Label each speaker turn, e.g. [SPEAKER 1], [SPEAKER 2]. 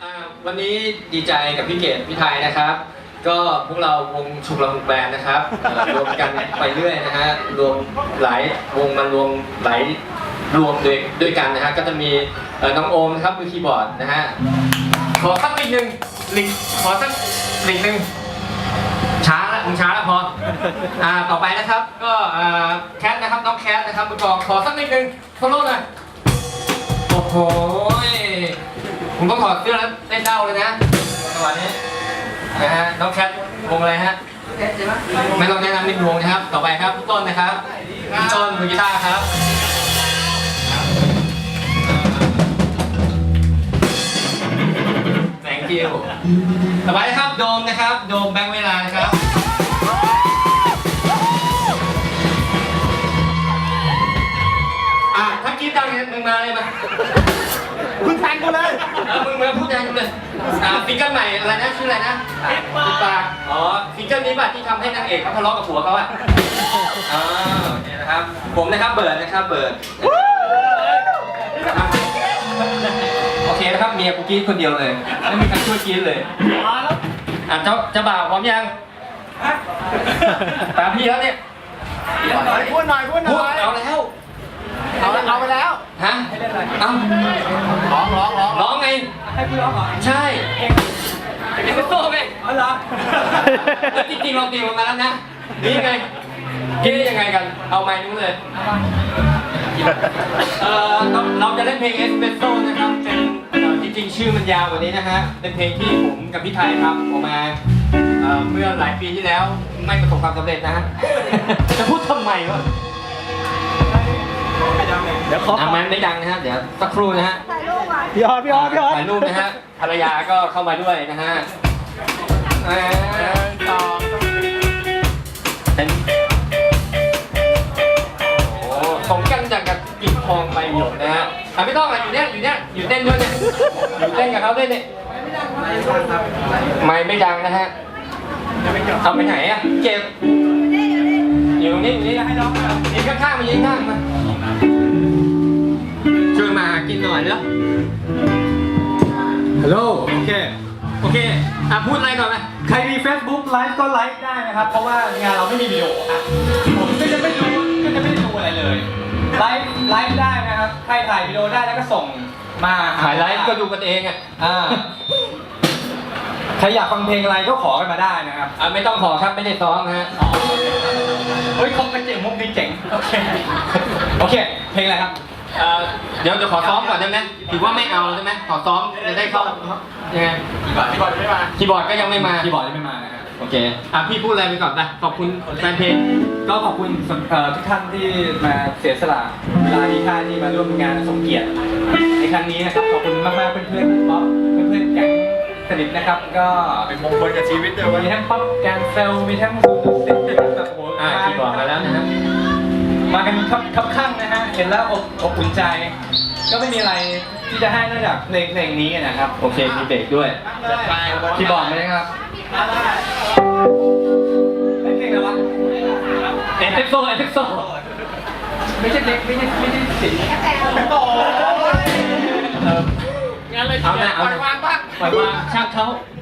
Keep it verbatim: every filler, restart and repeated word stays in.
[SPEAKER 1] วันนี้ดีใจกับพี่เกดพี่ไทยนะครับก็พวกเราวงฉุกละหุกแบนนะครับรวมกันไปเรื่อยนะฮะรวมหลายวงมารวมหลายรวมด้วยด้วยกันนะฮะก็จะมีน้องโอมนะครับมือคีย์บอร์ดนะฮะขอสักลิงหนึ่งลิงขอสักลิงหนึ่งช้าละมึงช้าแล้วพออ่าต่อไปนะครับก็แคทนะครับน้องแคทนะครับมือกลองขอสักลิงหนึ่งโซโล่หน่อยโอ้โหผมต้องถอดเสื้อแล้วเต้นเด้าเลยนะจังหวะนี้นะฮะน้องแคทวงอะไรฮะไม่ต้องแนะนำนิดวงนะครับต่อไปครับพี่ต้นนะครับพี่ต้นมือกีตาร์ครับแสงคิวต่อไปนะครับโดมนะครับโดมแบงค์เวลานะครับอ่ะถ้าคิดดังเนี่ยมึงมาเลยมา
[SPEAKER 2] คุณแทงกูเลย
[SPEAKER 1] เออมึงมาพูดแทนกูเลยอ่าฟิงเกิลใหม่อะไรนะชื่ออะไรนะปิดปากอ๋อฟิงเกิลนี้ป่ะที่ทำให้นางเอกเขาทะเลาะกับผัวเขาอ่ะอ๋อเนี่ยนะครับผมนะครับเบิร์ดนะครับเบิร์ดโอเคนะครับเมียกูกรี๊ดคนเดียวเลยไม่มีใครช่วยกรี๊ดเลยอ่ะเจ้าเจ้าบ่าวพร้อมยังตามพี่แล้วเนี่ย
[SPEAKER 2] พูดหน่อยพูดหน่อย
[SPEAKER 1] เอาแล้ว
[SPEAKER 2] เอาเอาไปแล้ว
[SPEAKER 1] ฮะเอ้า
[SPEAKER 2] ร้องร้องร้อง
[SPEAKER 1] ร้องไง
[SPEAKER 2] ให้พี่ร้องเหรอ
[SPEAKER 1] ใช่เองเองเป็นโซ่ไง
[SPEAKER 2] อ๋อเหรอ
[SPEAKER 1] จริงๆเราตีมันมาแล้วนะนี่ไงกินได้ยังไงกันเอาไม้นู้นเลยเออเราจะเล่นเพลงเอสเปรสโซ่นะครับเป็นจริงๆชื่อมันยาวกว่านี้นะฮะเป็นเพลงที่ผมกับพี่ไทยทำออกมาเมื่อหลายปีที่แล้วไม่ประสบความสำเร็จนะฮะจะพูดทำไมวะ
[SPEAKER 2] เดี๋ยวขอ
[SPEAKER 1] มันไม่ดังนะฮะเดี๋ยวสักครู่นะฮะ
[SPEAKER 2] พี่ออดพี่ออดพี่ออด
[SPEAKER 1] ถ่ายรูปนะฮะภรรยาก็เข้ามาด้วยนะฮะ
[SPEAKER 2] ต่อ
[SPEAKER 1] เป็นโอ้สมกันจากกับปิดทองไปหยดนะฮะอ่ะไม่ต้องอ่ะอยู่เนี้ยอยู่เนี้ยอยู่เต้นด้วยเนี่ยอยู่เต้นกับเขาด้วยเนี่ยไม่ไม่ดังนะฮะเอาไปไหนอ่ะเก็บอยู่ตรงนี้อยู่นี่ให้น้องยืนข้างๆมายืนข้างมาช่วยมากินหน่อยเนาะฮัลโหลโอเคโอเคอ่ะพูดอะไรก่อนไหม
[SPEAKER 2] ใครมี Facebook ไลฟ์ก็ไลฟ์ได้นะครับเพราะว่างานเราไม่มีวิดีโออ่ะผมก็จะไม่ดูก็จะไม่ได้ดูอะไรเลยไลฟ์ไลฟ์ได้นะครับใครถ่ายวิดีโอได้แล้วก็ส่งมา
[SPEAKER 1] ถ่ายไลฟ์ก็ดูกันเองอ่ะ
[SPEAKER 2] อ่าใครอยากฟังเพลงอะไรก็ขอกันมาได้นะครับ
[SPEAKER 1] อ่ะไม่ต้องขอครับไม่ได้ซ้อมนะฮะ
[SPEAKER 2] เฮ้ยคงเป็นเจ๋งมุกนี้เจ๋งโอเคโอเคเพลงอะไรครับ
[SPEAKER 1] เดี๋ยวจะขอซ้อมก่อนได้ไหมถือว่าไม่เอาใช่ไหมขอซ้อมจะได้เข้ายังไง
[SPEAKER 2] คีย์บอร์ดไม่มา
[SPEAKER 1] คีย์บอร์ดก็ยังไม่มา
[SPEAKER 2] คีย์บอร์ดยังไม่มานะครับ
[SPEAKER 1] โอเคอ่ะพี่พูดอะไรไปก่อนไปขอบคุณแฟนเพลง
[SPEAKER 2] ก็ขอบคุณทุกท่านที่มาเสียสละเวลาที่ท่านที่มาร่วมงานสมเกียรติในครั้งนี้นะครับขอบคุณมากๆเพื่อนๆป๊อปเพื่อนๆแก๊งสนิทนะครับก็
[SPEAKER 3] เป็นมงคลกับชีวิตด้วย
[SPEAKER 2] มีทั้งป๊อปแกนเซลมีทั้งซูซูซิตี้แบบโอ้โห
[SPEAKER 1] อ่าคีย์บอร์ดมาแล้วนะฮะ
[SPEAKER 2] มากันครับครับข้างนะฮะเห็นแล้วอบอบอุ่นใจก็ไม่มีอะไรที่จะให้นอกจากเพลงเพลงนี้นะครับ
[SPEAKER 1] โอเคมีเบรกด้วย
[SPEAKER 2] คีย์บอร์ดไหมครับเพลงอะไรวะ
[SPEAKER 1] เอฟเฟกโซเอฟเฟกโซ
[SPEAKER 2] ไม่ใช่เด็กไม่ใช่ไม่ใช่สิโอ้ย
[SPEAKER 1] งั้นเลยเอาหน้าเอาปล่อยวางบ้างปล่อยวางช่างเขา